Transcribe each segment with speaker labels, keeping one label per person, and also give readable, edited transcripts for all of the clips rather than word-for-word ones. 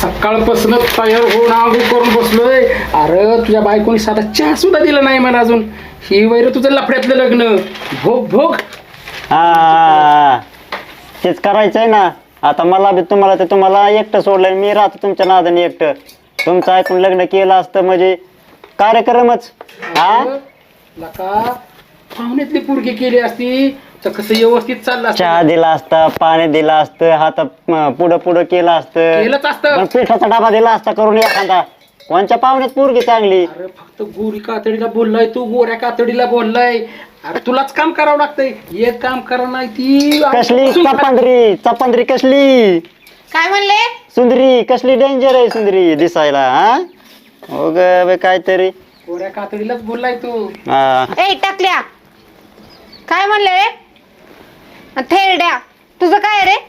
Speaker 1: सकाळपासून तयार होऊन आंघोळ करून बसलोय. अरे तुझ्या बायकोनी साधा चहा सुद्धा दिला नाही मला अजून. ही वैर तुझं लफड्यातलं लग्न. भोग भोग.
Speaker 2: हा तेच करायचंय ना. आता मला बी तुम्हाला एकटं सोडलंय. मी राहतो तुमच्या नादाने एकटं. तुमचं ऐकून लग्न केलं असतं म्हणजे कार्यक्रमच. हा
Speaker 1: लका पाहुण्यातली पुरगी केली असती तर कसं व्यवस्थित चाललं असतं.
Speaker 2: चहा दिला असता, पाणी दिलं असतं, हात पुढं पुढं केलं असतं,
Speaker 1: केलंच असतं.
Speaker 2: पण पिठाचा डबा दिला असता करून एखादा. कोणच्या पाहुण्यात पोरगी चांगली.
Speaker 1: अरे फक्त गोरी कातडीला बोललाय तू, गोऱ्या कातडीला बोललाय. अरे तुलाच काम करावं लागतंय. एक काम करा नाही ती
Speaker 2: कसली चपांदरी कसली
Speaker 3: काय म्हणले?
Speaker 2: सुंदरी कसली डेंजर आहे सुंदरी दिसायला. हा हो ग काहीतरी
Speaker 1: गोऱ्या कातडीलाच बोललाय तू.
Speaker 2: हा
Speaker 3: ए टाकल्या, काय म्हणले रे? थेरड्या, तुझं काय रे?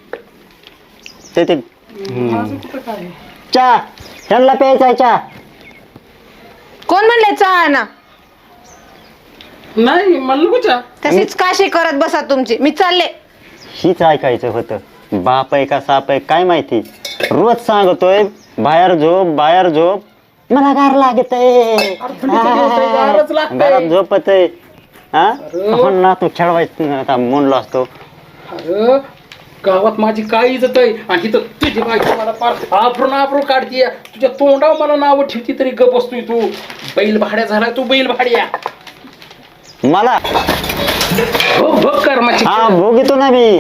Speaker 2: ते
Speaker 1: माझं कुठं काय.
Speaker 2: चहा ह्यांना प्यायचा चहा.
Speaker 3: कोण म्हणले चहा ना?
Speaker 1: नाही मला नको चहा.
Speaker 3: तशीच काशी करत बसा तुमची. मी चालले.
Speaker 2: हीच ऐकायचं होतं. बाप आहे का साप आहे काय माहिती. रोज सांगतोय बाहेर झोप मला गार लागत आहे.
Speaker 1: गारच लागतंय.
Speaker 2: घरात झोपत आहे. हा
Speaker 1: अरे.
Speaker 2: ना तू खेळवायचं आता म्हणलो असतो.
Speaker 1: अरे गावात माझी काय इज्जत आहे आणि इथं तुझी बायको मला फार आभरून काढतीये. तुझ्या तोंडावर मला नावं ठेवती तरी गप बसतोय तू. बैल भाड्या झाला तू, बैल भाड्या.
Speaker 2: मला
Speaker 1: भोग कर्माची.
Speaker 2: हा भोगितो ना मी.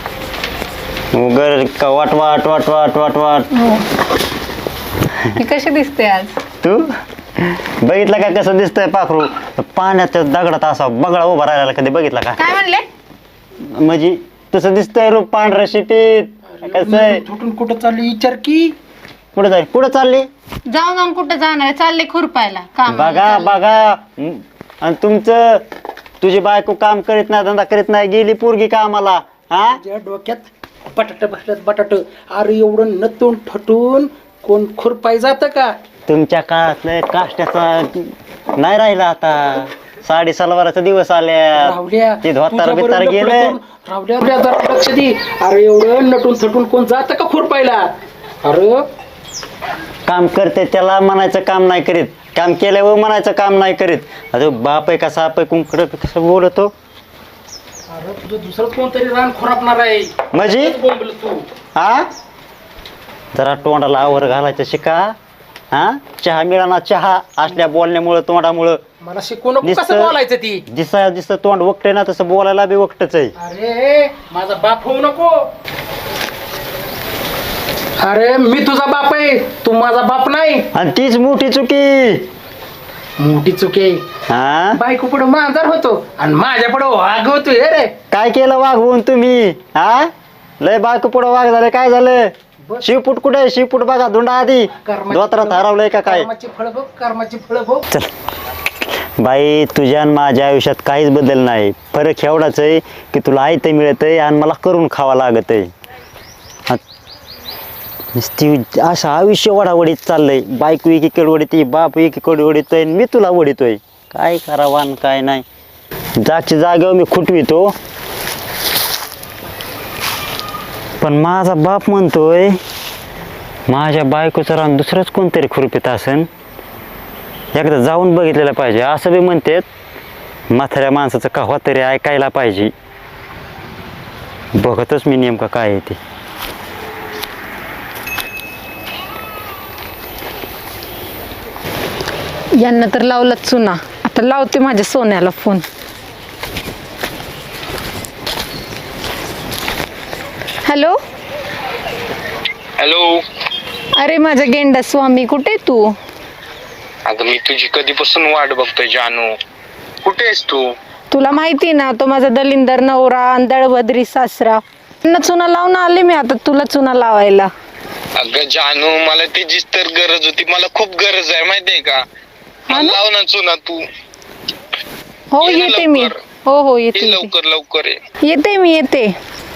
Speaker 2: उगर वाट वाट वाट वाट वाट वाट.
Speaker 3: मी कशी दिसते आज?
Speaker 2: तू बघितलं का कसं दिसतंय पाखरू. पाण्याच्या दगडात असा बगळा उभा राहिला कधी बघितला का?
Speaker 3: काय म्हणले?
Speaker 2: म्हणजे तसं दिसतंय रूप पांढऱ्या शिटीत. कसं आहे
Speaker 1: तुटून कुठं चालली विचार की.
Speaker 2: कुठं चालली
Speaker 3: जाऊन कुठं जाणार आहे? चालले खुरपायला काम.
Speaker 2: बघा आणि तुझी बायको काम करीत नाही, धंदा करीत नाही, गेली पोरगी कामाला. हा
Speaker 1: तुझ्या डोक्यात बटाट बसल्यात बटाट. अरे एवढं नतून ठटून कोण खुरपाय जातं का?
Speaker 2: तुमच्या काळातलं काष्ट्याचा नाही राहिला आता. साडी सलवाराचा दिवस आल्या.
Speaker 1: रावल्या
Speaker 2: ते धोतार बितार गेले.
Speaker 1: रावल्या जरा लक्ष दे. अरे एवढं नटून थटून कोण जातं का खुरपायला? अरे
Speaker 2: काम करते त्याला म्हणायचं काम नाही करीत. काम केल्यावर म्हणायचं काम नाही करीत. आता बाप आहे का साप आहे कुंकड कसं बोलतो.
Speaker 1: अरे तुझं दुसरंच कोणतरी रान खुरापणार आहे.
Speaker 2: म्हणजे
Speaker 1: बोंबलं तू.
Speaker 2: हा जरा तोंडाला आवर घालायचं शिका. हा चहा मिळाना चहा असल्या बोलण्यामुळं तोंडामुळं.
Speaker 1: मला शिकवू नको कसं बोलायचं ती.
Speaker 2: दिसं तोंड वकटे ना तसं बोलायला बी वकटच आहे.
Speaker 1: अरे माझा बाप होऊ नको. अरे मी तुझा बाप आहे, तू माझा बाप नाही.
Speaker 2: आणि तीच मोठी चुकी.
Speaker 1: मोठी चुकी आहे.
Speaker 2: हा
Speaker 1: बायको पुढे मांजर होतो आणि माझ्या पुढे वाघ होतोय रे.
Speaker 2: काय केलं वाघवून तुम्ही? हा लय बायको पुढं वाघ झालं काय झालं? शिवपूट कुठे आहे? शिवपूट बघा धुंडा आधी दोत्रात हरवलंय का काय?
Speaker 1: कर्माची फळ भोग, कर्माची फळ भोग.
Speaker 2: चल बाई तुझ्या आणि माझ्या आयुष्यात काहीच बदल नाही. फरक एवढाच आहे की तुला आयतं मिळत आहे आणि मला करून खावा लागत आहे. ती असं आयुष्य वडावडीत चाललंय. बायको एकीकडे वडीत, बाप एकीकडे वडीतोय, मी तुला वडीतोय. काय करावं आणि काय नाही. जागच्या जागेवर मी खुटवितो. पण माझा बाप म्हणतोय माझ्या बायकोचं रान दुसरंच कोणतरी खुरपीत असन. एकदा जाऊन बघितलेलं पाहिजे असं बी म्हणतात. म्हाताऱ्या माणसाचं कव्हा तरी ऐकायला पाहिजे. बघतच मी नेमकं काय आहे ते.
Speaker 3: यांना तर लावलं चुना. आता लावते माझ्या सोन्याला फोन. हॅलो.
Speaker 4: हॅलो.
Speaker 3: अरे माझा गेंडा स्वामी, कुठे तू?
Speaker 4: अगं मी तुझी कधीपासून वाट बघतोय जानू. कुठे आहेस तू?
Speaker 3: तुला माहिती ना, तो माझा दलिंदर नवरा आणि दळभद्री सासरा. त्यांना चुना लावून आले मी आता तुला चुना लावायला.
Speaker 4: अगं जानू मला त्याचीच तर गरज होती. मला खूप गरज आहे माहितीये का. मला लाव ना चुना तू.
Speaker 3: हो
Speaker 4: ये ना
Speaker 3: येते मी.
Speaker 4: लवकर.
Speaker 3: हो
Speaker 4: ये
Speaker 3: येते.
Speaker 4: लवकर लवकर ये.
Speaker 3: येते मी येते.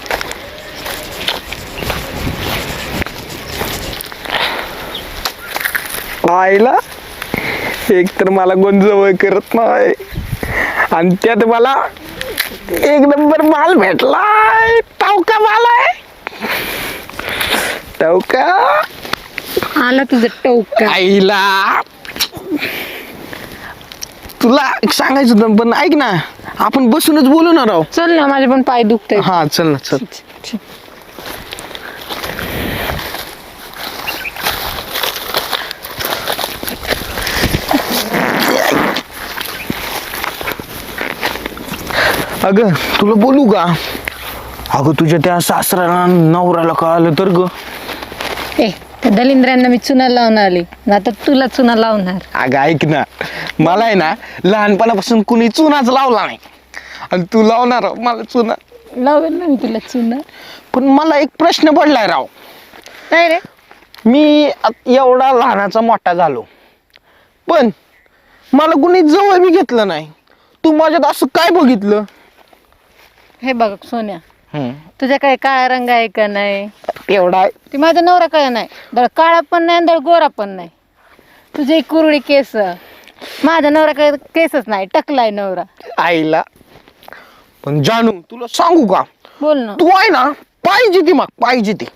Speaker 5: आईला एक तर मला कोण जवळ करत नाही आणि त्यात मला एक नंबर माल भेटलाय. टावका माल आहे. टावका
Speaker 3: आला तुझं टोका.
Speaker 5: आईला तुला सांगायचं होतं पण ऐक ना, आपण बसूनच बोलू ना राव.
Speaker 3: चल ना, माझे पण पाय दुखते.
Speaker 5: हा चल ना चल. अगं तुला बोलू का? अगं तुझ्या त्या सासऱ्याला नवऱ्याला कळालं तर ग.
Speaker 3: ए, त्या दलिंद्रांना मी चुना लावून आली, आता तुला चुना लावणार.
Speaker 5: अगं ऐक ना, मला आहे ना लहानपणापासून कुणी चुनाच लावला नाही आणि तू लावणार मला चुना.
Speaker 3: लावेल ना मी तुला चुना.
Speaker 5: पण मला एक प्रश्न पडलाय राव.
Speaker 3: काय रे?
Speaker 5: मी एवढा लहानाचा मोठा झालो पण मला कुणी जवळ बी घेतलं नाही. तू माझ्यात असं काय बघितलं?
Speaker 3: हे बघ सोन्या, तुझ्या काय काळा रंग आहे का नाही?
Speaker 5: एवढा आहे.
Speaker 3: ती माझा नवरा काय नाही, दळ काळा पण नाही दळ गोरा पण नाही. तुझे कुरळी केस, माझा नवरा काय केसच नाही, टकलाय नवरा.
Speaker 5: आईला. पण जानू तुला सांगू का,
Speaker 3: बोल ना.
Speaker 5: तू आहे ना पाहिजे ती, मग पाहिजे ती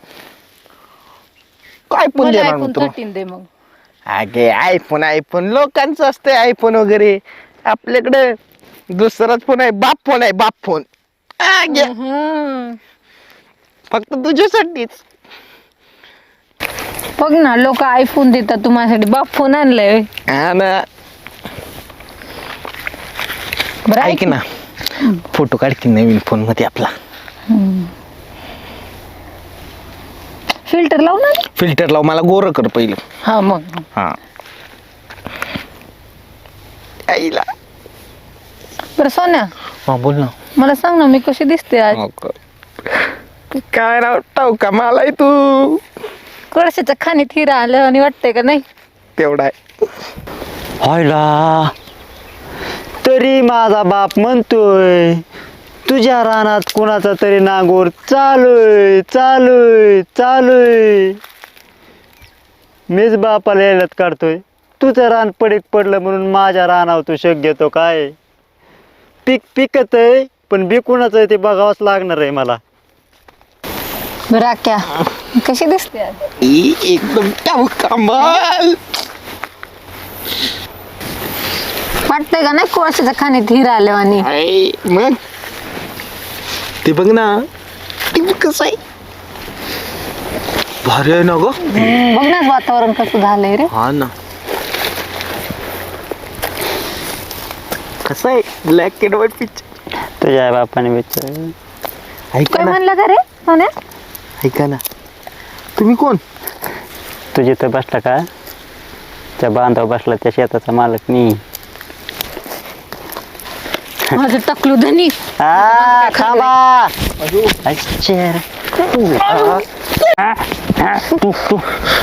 Speaker 5: काय पण
Speaker 3: मला
Speaker 5: देणार
Speaker 3: ऐकून
Speaker 5: तुला.
Speaker 3: 13 दे मग.
Speaker 5: अगे आयफोन आयफोन लोकांचं असतंय आयफोन वगैरे, आपल्याकडे दुसराच फोन आहे, बाप फोन आहे, बाप फोन.
Speaker 3: हं.
Speaker 5: फक्त तुझ्यासाठीच.
Speaker 3: बघ ना, लोक आयफोन देतात, तू माझ्यासाठी बाप फोन आणलाय.
Speaker 5: हा ना.
Speaker 3: बरं
Speaker 5: ऐक ना, फोटो काढ की नवीन फोन मध्ये आपला.
Speaker 3: फिल्टर लाव ना.
Speaker 5: फिल्टर लाव, मला गोरं कर पहिलं.
Speaker 3: हा मग.
Speaker 5: हा आईला.
Speaker 3: बरं सोन्या,
Speaker 5: हा बोल ना.
Speaker 3: मला सांग ना, मी कशी दिसते आज?
Speaker 5: काय राव का मला तू
Speaker 3: कळशाच्या खाणीत हिरा आलं आणि वाटतंय का नाही?
Speaker 5: तेवढा आहे.
Speaker 2: व्हायला तरी माझा बाप म्हणतोय तुझ्या रानात कुणाचा तरी नांगोर चालूय चालूय चालूय. मीच बापाला येण्यात काढतोय, तुझं रान पडीक पडलं म्हणून माझ्या रानावर तू शक घेतो काय? पीक पिकत आहे पण बी कुणाचं आहे ते बघावंच लागणार आहे मला.
Speaker 3: बरं आक्या, कशी दिसते आज?
Speaker 5: एकदम कमाल.
Speaker 3: वाटतंय का नाही कोळशाच्या खाणीत हिरा आलं आणि?
Speaker 5: मग ते बघ ना, ते कसं आहे, भारी आहे ना ग.
Speaker 3: बघ ना वातावरण कसं झालंय रे.
Speaker 5: हा ना. कसं आहे, ब्लॅक अँड व्हाईट पिक्चर.
Speaker 2: तुझ्या बापाने विचार.
Speaker 5: ऐका
Speaker 3: काय
Speaker 5: ना,
Speaker 3: म्हणलं का रे सोन्या?
Speaker 5: ऐका ना, तुम्ही कोण?
Speaker 2: तू जिथं बसला का त्या बांधावर बसला त्या शेताचा मालक मी.
Speaker 3: माझं टकलू धनी.
Speaker 2: थांबा. अच्छा. तू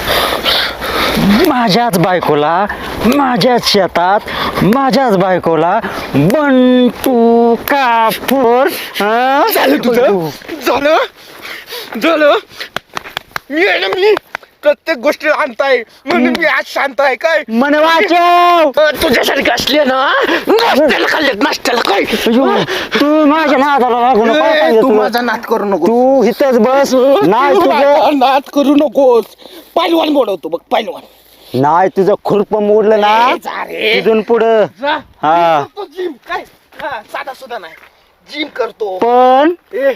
Speaker 2: माझ्याच बायकोला माझ्याच शेतात माझ्याच बायकोला बंटू कापूर.
Speaker 5: झालं तुझं, झालं. मी आहे ना, मी प्रत्येक गोष्टी आणताय म्हणून मी आज शांत आहे. काय
Speaker 2: मन वाचव.
Speaker 5: तुझ्यासारखे असले ना, नाश्त्याला खाल्लेत, नाश्त्याला काय.
Speaker 2: तू माझ्या नादाला लागू नको. काय सांगितलं
Speaker 5: तू
Speaker 2: तुला?
Speaker 5: माझा नाद करू नको.
Speaker 2: तू इथंच बस. नाही
Speaker 5: तू
Speaker 2: तुझं
Speaker 5: माझा नाद करू नकोस. पहिलवान बोलवतो बघ, पहिलवान.
Speaker 2: नाही तुझं खुरप मोडलं ना
Speaker 5: जा रे.
Speaker 2: तिथून पुढं. हा.
Speaker 5: जिम काय, साधा सुद्धा नाही, जिम करतो.
Speaker 2: पण
Speaker 5: ए,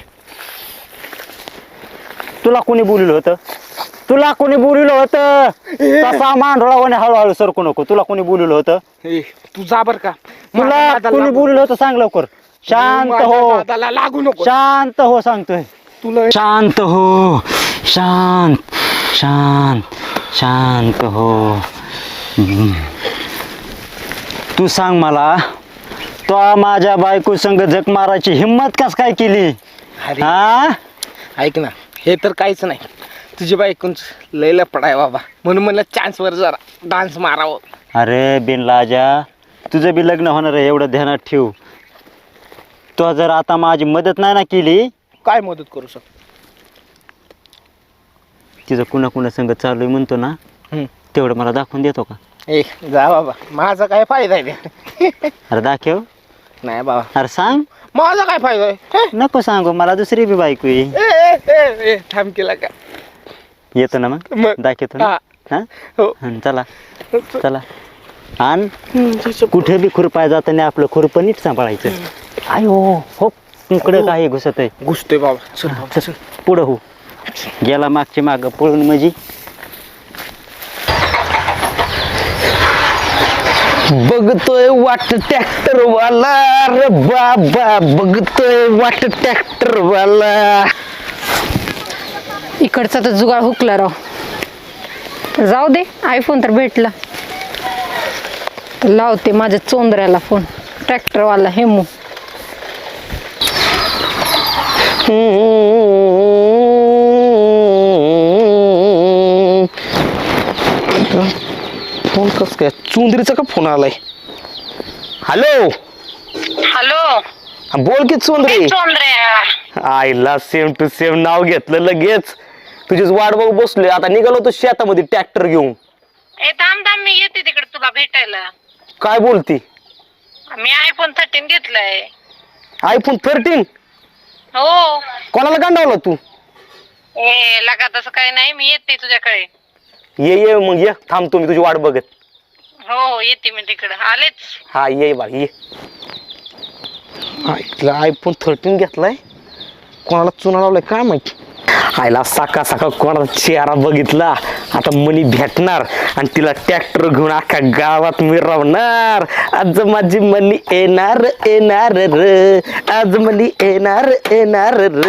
Speaker 2: तुला कोणी बोललं होतं? तुला कोणी बोललं होतं? तसा मांडोळावाने हळूहळू सरकू नको. तुला कोणी बोललं होतं?
Speaker 5: तू जा बर का.
Speaker 2: तुला कोणी बोललं होतं सांग लवकर. शांत हो,
Speaker 5: दादाला लागू नको.
Speaker 2: शांत हो सांगतोय.
Speaker 5: तुला
Speaker 2: शांत हो, शांत शांत शांत हो. तू सांग मला, तो माझ्या बायको संग झक मारायची हिम्मत कस काय केली?
Speaker 5: अरे,
Speaker 2: हा,
Speaker 5: ऐक ना, हे तर काहीच नाही. तुझी बायकोच लय लपडाय बाबा, म्हणून मला चान्सवर जरा डान्स मारावं.
Speaker 2: अरे बिनलाजा, तुझं बी लग्न होणार आहे एवढं ध्यानात ठेव. तो जर आता माझी मदत नाही ना केली,
Speaker 5: काय मदत करू शकतो?
Speaker 2: तिचं कुणा कुणा संग चालू आहे म्हणतो ना, तेवढं मला दाखवून देतो का?
Speaker 5: ए जा बाबा, माझा काय फायदा आहे?
Speaker 2: अरे दाखव.
Speaker 5: नाही बाबा,
Speaker 2: अरे सांग.
Speaker 5: माझा काय फायदा आहे?
Speaker 2: नको सांगू, मला दुसरी बी बायको आहे.
Speaker 5: थांब केला का?
Speaker 2: येतो ना मग दाखवतो ना. हा
Speaker 5: हो.
Speaker 2: हं, चला चला. आणि कुठे बी खुरपाय जाताना आपलं खुरपं नीट सांभाळायचं. आयो हो इकडं काही घुसत आहे.
Speaker 5: घुसतोय बाबा. चल बाबा, चल.
Speaker 2: पुढं हो गेला मागची माग पळून म्हणजे
Speaker 5: बघतोय वाट ट्रॅक्टर वाला रे बाबा, बघतोय वाट ट्रॅक्टर वाला.
Speaker 3: इकडचा तर जुगाड हुकला राव. तर जाऊ दे, आयफोन तर भेटला. तर लावते माझ्या चोंदऱ्याला फोन, ट्रॅक्टरवाला हेमू.
Speaker 5: फोन कस काय चुंदरीचा का फोन आलाय? Hello
Speaker 6: hello.
Speaker 5: बोल की चुंदरी.
Speaker 6: चोंद्र्या.
Speaker 5: आईला सेम टू सेम नाव घेतलं लगेच. तुझीच वाट बघ बसलोय. आता निघालो तो शेतामध्ये ट्रॅक्टर घेऊन.
Speaker 6: ए थांब थांब, मी येते तिकडे तुला भेटायला.
Speaker 5: काय बोलती?
Speaker 6: मी आयफोन 13 घेतलाय.
Speaker 5: आयफोन 13?
Speaker 6: हो.
Speaker 5: कोणाला गांडावला तू?
Speaker 6: ए लगा तसं काही नाही, मी येते तुझ्याकडे.
Speaker 5: ये मग ये, थांबतो मी तुझी वाट बघत.
Speaker 6: हो येते मी तिकडे, आलेच.
Speaker 5: हा ये बा ये. आयफोन 13 घेतलाय, कोणाला चुना लावलाय काय माहिती. आयला सकाळ सकाळ कोणाला चेहरा बघितला. आता मनी भेटणार आणि तिला ट्रॅक्टर घेऊन अख्ख्या गावात मिरवणार. आज माझी मनी येणार येणार र, आज मनी येणार येणार र.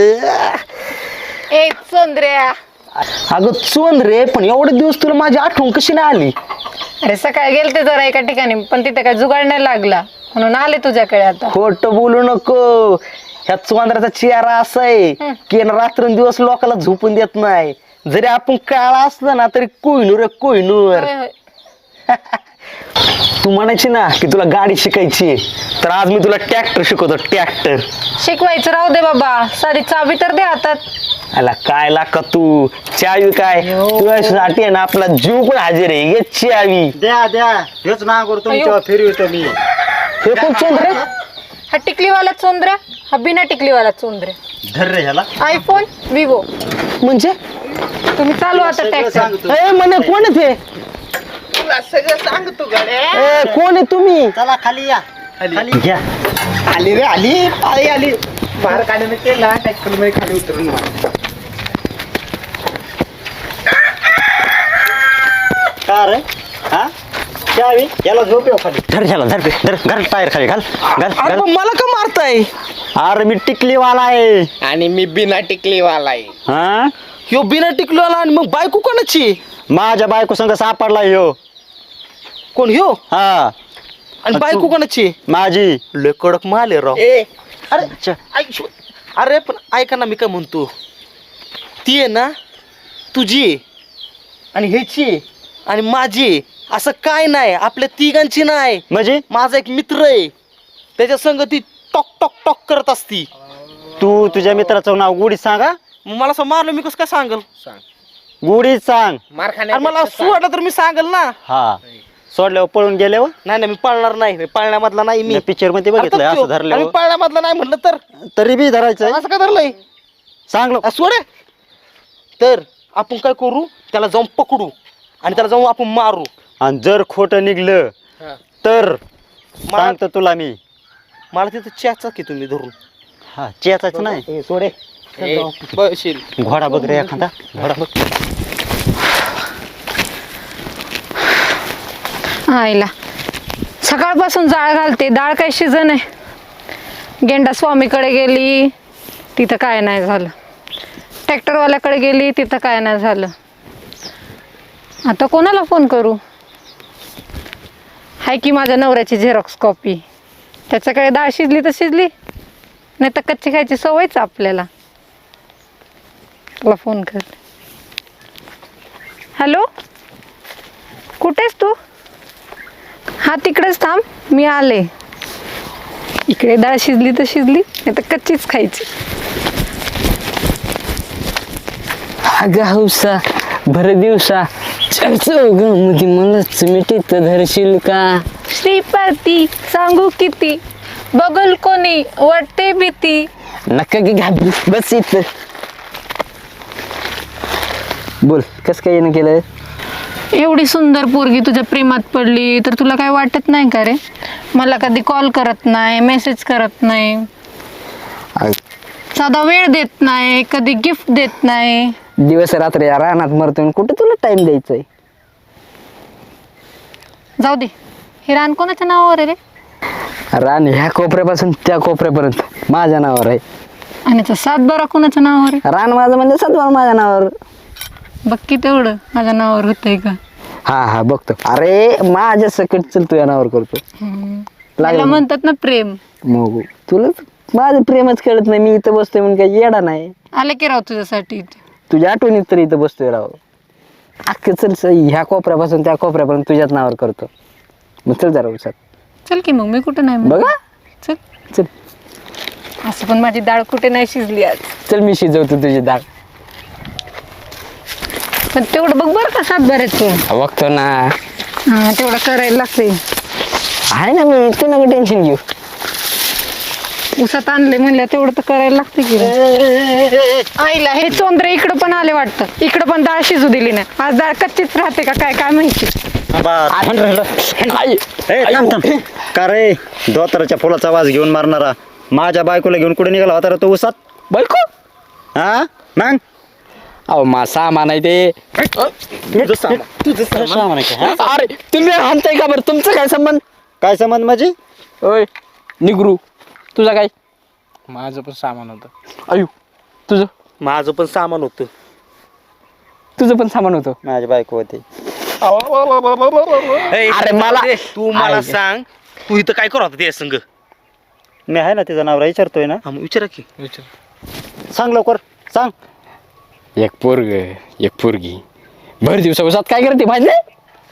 Speaker 3: ए चोंदऱ्या,
Speaker 5: अगं चोंद रे, पण एवढे दिवस तुला माझी आठवण कशी नाही आली?
Speaker 3: अरे सकाळी गेलते जरा एका ठिकाणी, पण तिथे काय जुगाड नाही लागला, म्हणून आले तुझ्याकडे आता.
Speaker 5: खोट बोलू नको. ह्या चोंदऱ्याचा चेहरा असा आहे की रात्रंदिवस लोकांना झोपून देत नाही. जरी आपण काळा असलं ना तरी कोहिनूर आहे, कोहिनूर.
Speaker 3: होय, होय.
Speaker 5: तू म्हणायची ना की तुला गाडी शिकायची, तर आज मी तुला ट्रॅक्टर शिकवतो. ट्रॅक्टर
Speaker 3: शिकवायचं राहू दे बाबा, सारी चावी तर दे हातात.
Speaker 5: आला काय लाका तू चावी काय तुझ्यासाठी आहे ना आपला जीव पण हजर आहे. ये चावी
Speaker 2: द्या द्या हेच ना करू तुमच्या फिरवितो मी.
Speaker 5: हे कोण चोंदरे?
Speaker 3: हा टिकलीवाला चोंदऱ्या, हा बिना टिकलीवाला चोंदऱ्या.
Speaker 2: धर रे ह्याला.
Speaker 3: IPhone Vivo.
Speaker 5: म्हणजे
Speaker 3: तुम्ही चालू आता ट्रॅक्टर.
Speaker 5: ए म्हणे कोण आहे ते?
Speaker 6: तुला सगळं सांगतो गड्या.
Speaker 5: ए कोण आहे तुम्ही?
Speaker 2: चला खाली या. खाली घ्या.
Speaker 5: आली रे आली, पाळी आली.
Speaker 1: बाहेर काढण्याने केला ट्रॅक्टर मध्ये खाली उतरून
Speaker 2: का रे हा चावी याला झोप येऊ खाली. धर ह्याला धर धर घाल टायर खाली घाल घाल
Speaker 5: अरे
Speaker 2: घाल.
Speaker 5: पण मला का मारताय?
Speaker 2: अरे मी टिकलीवाला आहे.
Speaker 5: आणि मी बिना टिकलीवाला आहे.
Speaker 2: हा
Speaker 5: ह्यो बिना टिकलीवाला आणि मग बायको कोणाची?
Speaker 2: माझ्या बायको संग सापडला ह्यो.
Speaker 5: कोण ह्यो?
Speaker 2: हा
Speaker 5: आणि बायको कोणाची?
Speaker 2: माझी.
Speaker 5: लय कडक माल आहे राव. अरे
Speaker 2: अच्छा.
Speaker 5: अरे पण ऐका ना, मी काय म्हणतो, ती आहे ना तुझी आणि ह्याची आणि माझी, असं काय नाही. आपल्या तिघांची नाही.
Speaker 2: म्हणजे
Speaker 5: माझा एक मित्र आहे, त्याच्या संग ती टॉक टॉक टॉक करत असती.
Speaker 2: तू तुझ्या मित्राचं नाव गुढीत सांगा.
Speaker 5: मग मला असं मारलं मी कसं काय सांगल?
Speaker 2: गुढीत सांग.
Speaker 5: अरे मला सुवाटलं तर मी सांगल ना.
Speaker 2: हा सोडल्यावर पळून गेल्यावर
Speaker 5: नाही नाही, मी पाळणार नाही. मी पाळण्यामधला नाही. मी
Speaker 2: पिक्चर मध्ये बघितलं असं
Speaker 5: मी
Speaker 2: धरल्यावर.
Speaker 5: पाळण्यामधला नाही म्हणलं तर
Speaker 2: तरी बी धरायचं.
Speaker 5: असं काय धरलंय?
Speaker 2: सांगलो.
Speaker 5: सोड. तर आपण काय करू, त्याला जाऊन पकडू आणि त्याला जाऊन आपण मारू.
Speaker 2: आणि जर खोटं निघलं तर सांगतो तुला मी.
Speaker 5: मला तिथं चॅचा की तुम्ही धरून.
Speaker 2: हा चेचाच नाही.
Speaker 5: सोडे बशील.
Speaker 2: घोडा बघ रे एखादा. घोडा बघ.
Speaker 3: आईला सकाळपासून जाळ घालते, डाळ काय शिजन आहे. गेंडा स्वामीकडे गेली, तिथं काय नाही झालं. ट्रॅक्टरवाल्याकडे गेली, तिथं काय नाही झालं. आता कोणाला फोन करू? हाय की माझ्या नवऱ्याची झेरॉक्स कॉपी, त्याच्याकडे डाळ शिजली तर शिजली, नाही तर कच्ची खायची सवयच आपल्याला. त्याला फोन कर. हॅलो, कुठेस तू? हा तिकडेच थांब, मी आले. इकडे डाळ शिजली तर शिजली, नाही तर कच्चीच खायची.
Speaker 7: अगं हौसा भर दिवसा चौघामध्ये मलाच मिठीत धरशील का?
Speaker 3: श्रीपती सांगू किती, बघल कोणी वाटते भीती.
Speaker 7: नका की घाबरू, बस इथं. बोल कस काय येणं केलं?
Speaker 3: एवढी सुंदर पोरगी तुझ्या प्रेमात पडली तर तुला काय वाटत नाही का रे? मला कधी कॉल करत नाही, मेसेज करत नाही, साधा वेळ देत नाही, कधी गिफ्ट देत नाही.
Speaker 7: दिवस रात्र या रानात मरतोय, कुठे तुला टाइम द्यायचंय?
Speaker 3: जाऊ दे, हे रान कोणाच्या नावावर आहे रे?
Speaker 7: रान ह्या कोपऱ्यापासून त्या कोपऱ्यापर्यंत माझ्या नावावर आहे.
Speaker 3: आणि तो 7-12 कोणाच्या नावावर आहे?
Speaker 7: रान माझं म्हणजे सत्वार माझ्या नावावर.
Speaker 3: बघ की तेवढं माझ्या नावावर होतंय का?
Speaker 7: हा बघतो. अरे माझ्या सकट चल तुझ्या नावावर करतो.
Speaker 3: त्याला म्हणतात ना प्रेम.
Speaker 7: मग तुला माझं प्रेमच कळत नाही. मी इथं बसतोय म्हणून काही येडा नाही.
Speaker 3: आले की राव तुझ्यासाठी.
Speaker 7: तुझ्या आठवणीत तरी इथं बसतोय राव. अख्खं चल ह्या कोपऱ्यापासून त्या कोपऱ्यापर्यंत तुझ्याच नावावर करतो. मग चल जरा उसात.
Speaker 3: चल की मग, मी कुठं नाही म्हणत.
Speaker 7: बघा
Speaker 3: चल.
Speaker 7: चल
Speaker 3: असं पण माझी डाळ कुठे नाही शिजली आज.
Speaker 7: चल मी शिजवतो तुझी डाळ.
Speaker 3: पण तेवढं बघ बरं का 7-12चं.
Speaker 7: बघतो ना.
Speaker 3: हा तेवढं करायला लागते.
Speaker 7: आहे ना मी, तू नको टेन्शन घेऊ.
Speaker 3: उसात आणले म्हणलं तेवढं तर करायला लागते की. आईला हे चोंदरे इकडं पण आले वाटतं. इकडं पण डाळ शिजू दिली नाही. आज डाळ कच्चीच राहते का काय माहिती.
Speaker 2: का रे धोतराच्या फुलाचा वास घेऊन मारणारा माझ्या बायकोला घेऊन कुठे निघाला होता रे तो उसात?
Speaker 7: बायको
Speaker 2: हा मग
Speaker 7: अहो मा सामान आहे ते. अरे तुम्ही आणताय का बरं? तुमचं काय संबंध?
Speaker 2: काय संबंध माझी?
Speaker 7: ओय निगरू तुझा काय?
Speaker 1: माझं पण सामान होतं.
Speaker 7: अयो तुझं
Speaker 2: माझं पण सामान होतं.
Speaker 7: तुझं पण सामान होतं.
Speaker 2: माझी बायको होती.
Speaker 7: अरे मला
Speaker 5: तू मला सांग, तू इथं काय करत होता ते संग?
Speaker 2: मी आहे ना तिचा नवरा विचारतोय ना.
Speaker 5: हा मग विचारा की.
Speaker 2: सांग लवकर सांग.
Speaker 7: एक पोरग एक पोरगी भर दिवसा उसात काय करते माहित नाही?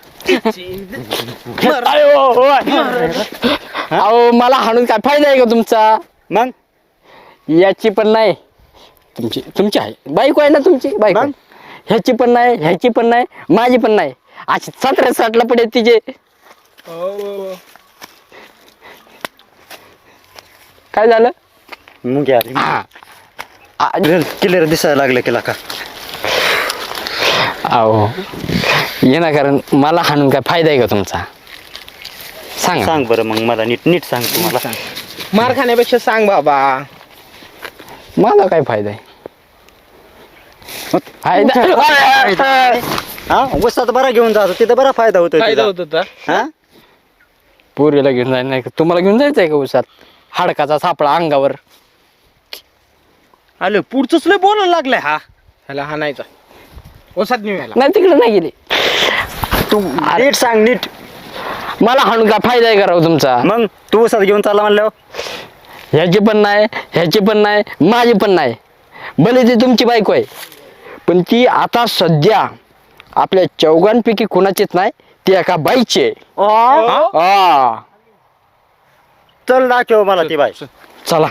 Speaker 7: अहो मला हाणून काय फायदा आहे का तुमचा?
Speaker 2: मग
Speaker 7: याची पण नाही, तुमची आहे बायको आहे ना तुमची बायको. ह्याची पण नाही, ह्याची पण नाही, माझी पण नाही. अशी 17-60 पडे तिचे. काय झालं?
Speaker 2: मग क्लिअर दिसायला लागलं केला का?
Speaker 7: अहो ये ना, कारण मला हाणून काय फायदा आहे का तुमचा? सांग
Speaker 2: सांग बरं मग मला नीट सांग तुम्हाला.
Speaker 5: मार खाण्यापेक्षा सांग बाबा.
Speaker 7: मला काय फायदा आहे?
Speaker 2: हा उसात बरा घेऊन जातो तिथं बरा फायदा होतो.
Speaker 5: फायदा होत होता.
Speaker 2: हा
Speaker 7: पोरीला घेऊन जायचं नाही का? तुम्हाला घेऊन जायचंय का उसात? हाडकाचा सापळा अंगावर.
Speaker 5: आलं पुढचंच लय बोलायला लागलाय हा. ह्याला हाणायचा ओसात नेऊया.
Speaker 7: नाही तिकडे नाही गेली.
Speaker 2: तू नीट सांग नीट.
Speaker 7: मला हाणून काय फायदा आहे का राव तुमचा?
Speaker 2: मग तू उसात घेऊन चालला म्हणल्यावर
Speaker 7: ह्याची पण नाही, ह्याची पण नाही, माझी पण नाही. भले ती तुमची बायको आहे, पण ती आता सध्या आपल्या चौघांपैकी कुणाचीच नाही, ती एका बाईची आहे.
Speaker 2: चल दाखव मला ती बाई.
Speaker 7: चला.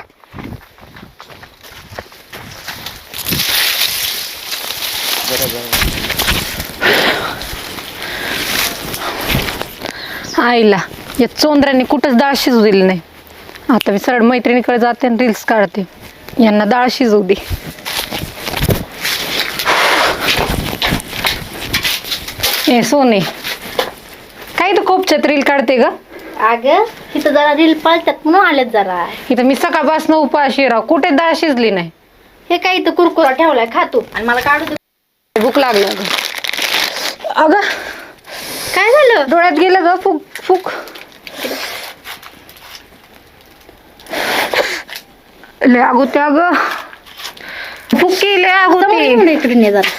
Speaker 3: आईला या चोंदऱ्यांनी कुठंच डाळ शिजू दिली नाही. आता मी सरळ मैत्रिणीकडे जाते आणि रील्स काढते. यांना डाळ शिजवू दे. ए सोने, काय तू खूप रील काढते ग?
Speaker 8: अगं इथं जरा रील पळतात म्हणून आलेत जरा.
Speaker 3: इथं मी सकाळपासून उपाशी राव, कुठे डाळ शिजली नाही.
Speaker 8: हे काय इथं कुरकुरा ठेवलाय खातो आणि मला काढू दे.
Speaker 3: भूक लागली अगं. अगं
Speaker 8: काय झालं?
Speaker 3: डोळ्यात गेलं ग. फुक फुक. लय अगोते अगं. फुकी लय अगोते.
Speaker 8: इकडे ने जरा.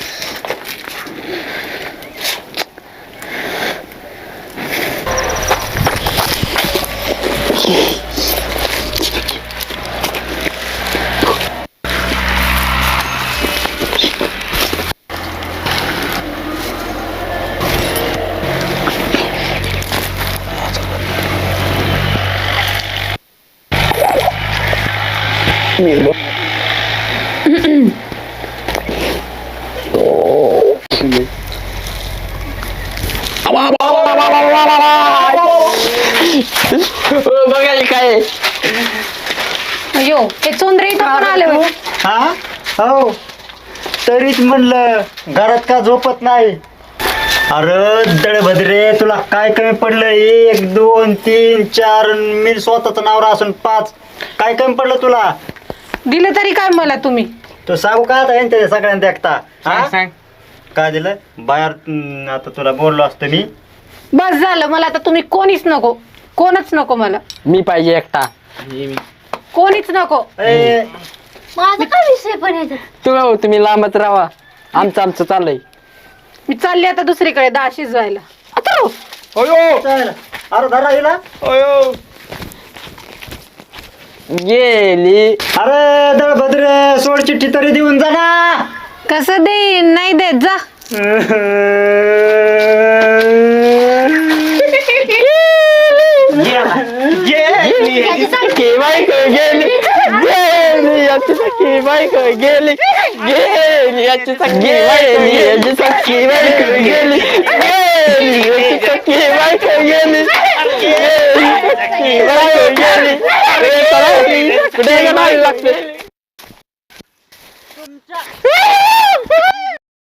Speaker 7: बघायला काय?
Speaker 3: अयो हे चोंदरे इथं पण आले होय.
Speaker 2: हा हो तरीच म्हणलं घरात का झोपत नाही. अरे दळभद्रे तुला काय कमी पडलं 1 2 3 4 मी स्वतःच नावरा असून 5 काय कमी पडलं तुला
Speaker 3: दिलं तरी काय मला तुम्ही?
Speaker 2: तू सांगू का आता यांच्या सगळ्यांना देखता
Speaker 1: सांग
Speaker 2: काय दिलं बाहेर आता तुला बोललो असतो मी
Speaker 3: बस झालं, मला आता तुम्ही कोणीच नको, कोणच नको मला,
Speaker 7: मी पाहिजे एकटा.
Speaker 3: कोणीच नको.
Speaker 2: ए,
Speaker 8: माझा काय विषय पण याच्यात?
Speaker 7: तुम्ही लांबच राहा, आमचं चाललंय.
Speaker 3: मी चालली आता दुसरीकडे डाळ शिजवायला.
Speaker 2: चल, अरे धरा हिला
Speaker 7: गेली.
Speaker 2: अरे दळभद्रे सोड चिठ्ठी तरी देऊन जा ना
Speaker 3: कसं देईन? नाही देत, जा.
Speaker 7: गेली बायको गेली, गेली याची सखी बायको गेली, गेली याची सखी गेली, याची सखी बायको गेली, गेली याची सखी बायको गेली, गेली सखी बायको गेली. अरे चला, कुठे गेला लागते.